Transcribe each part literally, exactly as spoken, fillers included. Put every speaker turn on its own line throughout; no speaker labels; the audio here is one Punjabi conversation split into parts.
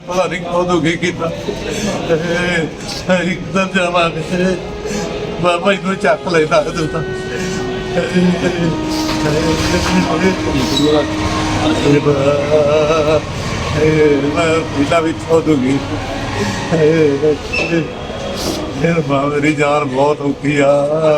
ਪਤਾ ਨਹੀਂ ਕਦੋਂ ਕੀ ਕੀਤਾ ਇੱਕ ਦਿਨ ਜਾਵਾਂਗੇ ਬਾਬਾ ਇਹਨੂੰ ਚੱਕ ਲੈਦਾ ਤੂੰ ਤਾਂ ਮੈਂ ਪਿਲਾ ਵੀ ਖੋਦੂਗੀ ਫਿਰ ਮੇਰੀ ਜਾਨ ਬਹੁਤ ਔਖੀ ਆ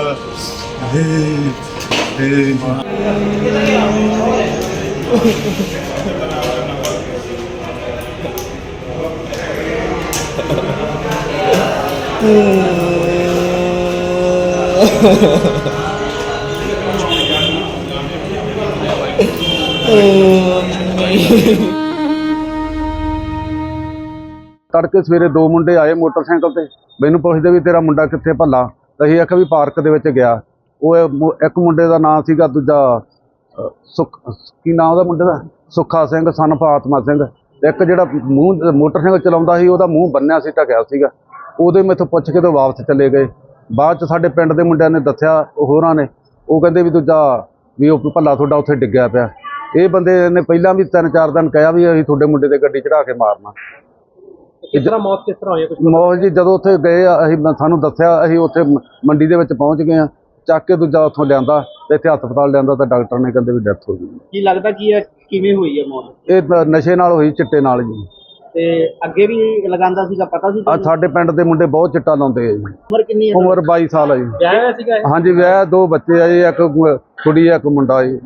तड़के सवेरे दो मुंडे आए मोटरसाइकिल ते मैनू पुछदे भी तेरा मुंडा कित्थे भला तो असीं आख्या भी पार्क दे विच गया। वो एक मुंडे का नाम सीगा दूजा सुख की नाम उहदा मुंडे दा सुखा सिंह सन फातमा सिंह। एक जिहड़ा मूँह मोटरसाइकिल चलाउंदा सी उहदा मूँह बन्निया सी ढकिया सीगा। उहदे मैथों पुछ के तो वापस चले गए। बाद च साडे पिंड दे मुंडिਆਂ ने दस्सिया होरां ने वो कहंदे भी दूजा भी वो भला तुहाडा उत्थे डिग्गिया पिया। ये बंदे ने पहलां भी तीन चार दिन कहा भी असीं तुहाडे मुंडे ते गड्डी चढ़ा के मारना।
किस तरह मौत किस तरह होई?
मौत जी जदों उत्थे गए असीं सानूं दस्सिया असीं उत्थे मंडी दे विच पहुंच गए। ਚੱਕ ਕੇ ਦੂਜਾ ਉੱਥੋਂ ਲਿਆਂਦਾ ਤੇ ਇੱਥੇ ਹਸਪਤਾਲ ਲਿਆਂਦਾ ਤਾਂ ਡਾਕਟਰ ਨੇ ਕਹਿੰਦੇ ਵੀ ਡੈਥ ਹੋ ਗਈ।
ਕੀ ਲੱਗਦਾ ਕੀ ਹੈ ਕਿਵੇਂ ਹੋਈ ਹੈ ਮੌਤ?
ਇਹ ਨਸ਼ੇ ਨਾਲ ਹੋਈ, ਚਿੱਟੇ ਨਾਲ ਜੀ।
ਤੇ ਅੱਗੇ ਵੀ ਲਗਾਉਂਦਾ ਸੀਗਾ, ਪਤਾ ਸੀ?
ਆ ਸਾਡੇ ਪਿੰਡ ਦੇ ਮੁੰਡੇ ਬਹੁਤ ਚਿੱਟਾ ਲਾਉਂਦੇ ਆ ਜੀ।
ਉਮਰ ਕਿੰਨੀ ਹੈ?
ਉਮਰ ਬਾਈ ਸਾਲ ਆ ਜੀ।
ਵਿਆਹ ਹੋਇਆ ਸੀਗਾ?
ਹਾਂਜੀ ਵਿਆਹ, ਦੋ ਬੱਚੇ ਆ ਜੀ, ਇੱਕ ਕੁੜੀ ਆ ਇੱਕ ਮੁੰਡਾ ਜੀ।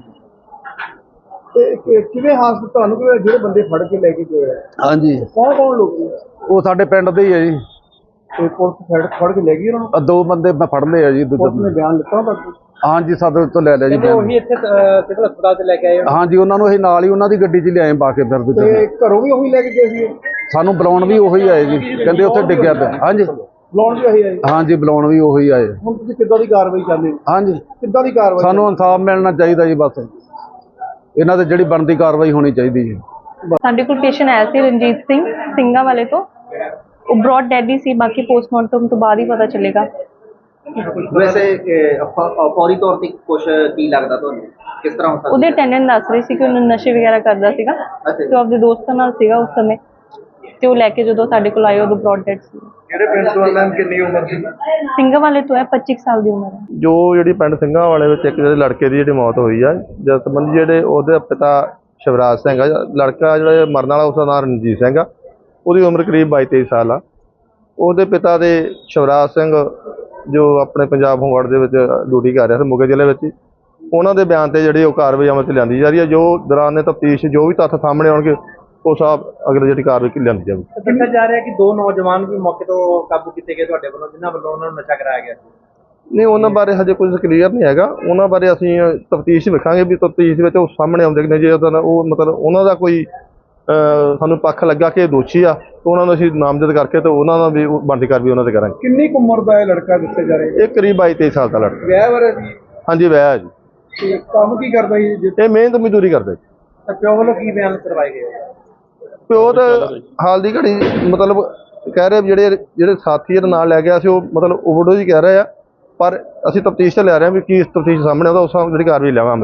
ਤੇ ਕਿਵੇਂ ਹਾਦਸਾ ਤੁਹਾਨੂੰ ਕਿ ਜਿਹੜੇ ਬੰਦੇ ਫੜ ਕੇ ਲੈ ਕੇ ਗਏ ਆ?
ਹਾਂਜੀ
ਕੌਣ ਕੌਣ ਲੋਕ?
ਉਹ ਸਾਡੇ ਪਿੰਡ ਦੇ ਹੀ ਆ ਜੀ।
ਤੇ ਪੁਲਿਸ ਫੜ ਫੜ ਕੇ ਲੈ ਗਈ ਉਹਨਾਂ ਨੂੰ?
ਦੋ ਬੰਦੇ ਮੈਂ ਫੜ ਲਏ ਆ ਜੀ।
ਪੁਲਿਸ ਨੇ ਬਿਆਨ ਲਿਖਾ ਤੁਹਾਡਾ?
ਹਾਂਜੀ ਸਾਡੇ ਤੋਂ ਲੈ ਲਿਆ ਜੀ।
ਉਹੀ ਇੱਥੇ ਸਿਵਲ ਹਸਪਤਾਲ ਤੇ ਲੈ ਕੇ ਆਏ?
ਹਾਂਜੀ ਉਹਨਾਂ ਨੂੰ ਅਸੀਂ ਨਾਲ ਹੀ ਉਹਨਾਂ ਦੀ ਗੱਡੀ 'ਚ ਲਿਆਏ ਪਾ ਕੇ। ਫਿਰ
ਤੇ ਘਰੋਂ ਵੀ ਉਹੀ ਲੈ ਕੇ ਗਏ ਸੀ?
ਸਾਨੂੰ ਬੁਲਾਉਣ ਵੀ ਉਹੀ ਆਏ ਜੀ, ਕਹਿੰਦੇ ਉੱਥੇ ਡਿੱਗਿਆ ਪਿਆ। ਹਾਂਜੀ
ਬੁਲਾਉਣ ਵੀ ਉਹੀ ਆਏ?
ਹਾਂਜੀ ਬੁਲਾਉਣ ਵੀ ਉਹੀ ਆਏ।
ਹੁਣ ਤੁਸੀਂ ਕਿੱਦਾਂ ਦੀ ਕਾਰਵਾਈ ਚਾਹੁੰਦੇ ਹੋ?
ਹਾਂਜੀ
ਕਿੱਦਾਂ ਦੀ ਕਾਰਵਾਈ?
ਸਾਨੂੰ ਇਨਸਾਫ ਮਿਲਣਾ ਚਾਹੀਦਾ ਜੀ, ਬਸ ਇਹਨਾਂ ਤੇ ਜਿਹੜੀ ਬਣਦੀ ਕਾਰਵਾਈ ਹੋਣੀ ਚਾਹੀਦੀ ਜੀ।
ਸਾਡੇ ਕੋਲ ਪੇਸ਼ੈਂਟ ਆਇਆ ਸੀ ਰਣਜੀਤ ਸਿੰਘ ਸਿੰਘਾਂ ਵਾਲੇ ਤੋਂ। ਉਹ ਬ੍ਰੌਡ ਡੈਡ ਹੀ ਸੀ, ਬਾਕੀ ਪੋਸਟਮਾਰਟਮ ਤੋਂ ਬਾਅਦ ਹੀ ਪਤਾ ਚੱਲੇਗਾ।
ਵੈਸੇ ਫੌਰੀ ਤੌਰ ਤੇ ਕੁਝ ਕੀ ਲੱਗਦਾ ਤੁਹਾਨੂੰ, ਕਿਸ ਤਰ੍ਹਾਂ ਹੋ ਸਕਦਾ?
ਉਹਦੇ ਅਟੈਂਡੈਂਟ ਦੱਸ ਰਹੀ ਸੀ ਕਿ ਉਹਨੂੰ ਨਸ਼ੇ ਵਗੈਰਾ ਕਰਦਾ ਸੀਗਾ ਤੇ ਉਹ ਆਪਣੇ ਦੋਸਤਾਂ ਨਾਲ ਸੀਗਾ ਉਸ ਸਮੇਂ, ਤੇ ਉਹ ਲੈ ਕੇ ਜਦੋਂ ਸਾਡੇ ਕੋਲ ਆਏ ਉਦੋਂ ਬ੍ਰੌਡ ਡੈਡ ਸੀ।
ਕਿਹੜੇ ਪਿੰਡ ਤੋਂ? ਮੈਮ ਕਿੰਨੀ ਉਮਰ ਸੀ?
ਸਿੰਘਾਂ ਵਾਲੇ ਤੋਂ ਹੈ, ਪੱਚੀ ਸਾਲ ਦੀ ਉਮਰ ਹੈ।
ਜੋ ਜਿਹੜੀ ਪਿੰਡ ਸਿੰਘਾਂ ਵਾਲੇ ਵਿੱਚ ਇੱਕ ਜਿਹੜੇ ਲੜਕੇ ਦੀ ਜਿਹੜੀ ਮੌਤ ਹੋਈ ਆ, ਜਿਸ ਸੰਬੰਧੀ ਜਿਹੜੇ ਉਹਦੇ ਪਿਤਾ ਸ਼ਿਵਰਾਜ ਸਿੰਘ ਆ, ਲੜਕਾ ਜਿਹੜਾ ਮਰਨ ਵਾਲਾ ਉਸਦਾ ਨਾਮ ਰਣਜੀਤ ਸਿੰਘ ਆ, ਉਹਦੀ ਉਮਰ ਕਰੀਬ ਬਾਈ ਤੇਈ ਸਾਲ ਆ। ਉਹਦੇ ਪਿਤਾ ਦੇ ਸ਼ਿਵਰਾਜ ਸਿੰਘ ਜੋ ਆਪਣੇ ਪੰਜਾਬ ਹੋਮਗਾਰਡ ਦੇ ਵਿੱਚ ਡਿਊਟੀ ਕਰ ਰਿਹਾ ਸੀ ਮੋਗੇ ਜ਼ਿਲ੍ਹੇ ਵਿੱਚ, ਉਹਨਾਂ ਦੇ ਬਿਆਨ ਤੇ ਜਿਹੜੀ ਉਹ ਕਾਰਵਾਈ ਅਮਲ 'ਚ ਲਿਆਂਦੀ ਜਾ ਰਹੀ ਹੈ। ਜੋ ਦੌਰਾਨ ਤਫਤੀਸ਼ ਜੋ ਵੀ ਤੱਥ ਸਾਹਮਣੇ ਆਉਣਗੇ ਉਹ ਸਭ ਅਗਲੇ ਜਿਹੜੀ ਕਾਰਵਾਈ ਲਿਆਂਦੀ ਜਾਵੇਗੀ।
ਦੱਸਿਆ ਜਾ ਰਿਹਾ ਕਿ ਦੋ ਨੌਜਵਾਨ ਵੀ ਮੌਕੇ ਤੋਂ ਕਾਬੂ ਕੀਤੇ ਗਏ ਤੁਹਾਡੇ ਵੱਲੋਂ, ਜਿਨ੍ਹਾਂ ਵੱਲੋਂ ਉਹਨਾਂ ਨੂੰ ਨਸ਼ਾ ਕਰਾਇਆ ਗਿਆ ਸੀ।
ਨਹੀਂ ਉਹਨਾਂ ਬਾਰੇ ਹਜੇ ਕੁਝ ਕਲੀਅਰ ਨਹੀਂ ਹੈਗਾ। ਉਹਨਾਂ ਬਾਰੇ ਅਸੀਂ ਤਫਤੀਸ਼ ਵੇਖਾਂਗੇ ਵੀ ਤਫਤੀਸ਼ ਵਿੱਚ ਉਹ ਸਾਹਮਣੇ ਆਉਂਦੇ ਕਿ ਨਹੀਂ। ਜੇ ਉਹਦਾ ਉਹ ਮਤਲਬ ਉਹਨਾਂ ਦਾ ਕੋਈ ਸਾਨੂੰ ਪੱਖ ਲੱਗਾ ਕਿ ਇਹ ਦੋਸ਼ੀ ਆ ਤਾਂ ਉਹਨਾਂ ਨੂੰ ਅਸੀਂ ਨਾਮਜ਼ਦ ਕਰਕੇ ਤੇ ਉਹਨਾਂ ਦਾ ਵੀ ਬਣਦੀ ਕਾਰਵਾਈ ਉਹਨਾਂ ਤੇ ਕਰਾਂਗੇ।
ਕਿੰਨੀ ਕੁ ਉਮਰ ਦਾ ਇਹ ਲੜਕਾ ਦੱਸਿਆ ਜਾ ਰਿਹਾ?
ਇਹ ਕਰੀਬ ਬਾਈ ਤੇਈ ਸਾਲ ਦਾ ਲੜਕਾ।
ਵਿਆਹ ਬਾਰੇ ਜੀ?
ਹਾਂਜੀ ਵਿਆਹ ਹੈ ਜੀ।
ਤੇ ਕੰਮ ਕੀ ਕਰਦਾ ਜੀ?
ਇਹ ਮਿਹਨਤ ਮਜ਼ਦੂਰੀ ਕਰਦੇ।
ਤਾਂ ਪਿਓ ਵੱਲੋਂ ਕੀ ਬਿਆਨ ਕਰਵਾਏ ਗਏ?
ਪਿਓ ਤਾਂ ਹਾਲ ਦੀ ਘੜੀ ਮਤਲਬ ਕਹਿ ਰਹੇ ਜਿਹੜੇ ਜਿਹੜੇ ਸਾਥੀ ਇਹਦੇ ਨਾਲ ਲੈ ਗਿਆ ਸੀ ਉਹ ਮਤਲਬ ਓਵਰਡੋਜ਼ ਹੀ ਕਹਿ ਰਹੇ ਆ, ਪਰ ਅਸੀਂ ਤਫਤੀਸ਼ ਤੇ ਲੈ ਰਹੇ ਹਾਂ ਵੀ ਕੀ ਤਫਤੀਸ਼ ਸਾਹਮਣੇ ਆਉਂਦਾ ਉਸ ਜਿਹੜੀ ਕਾਰਵਾਈ ਲਵਾਂਗੇ।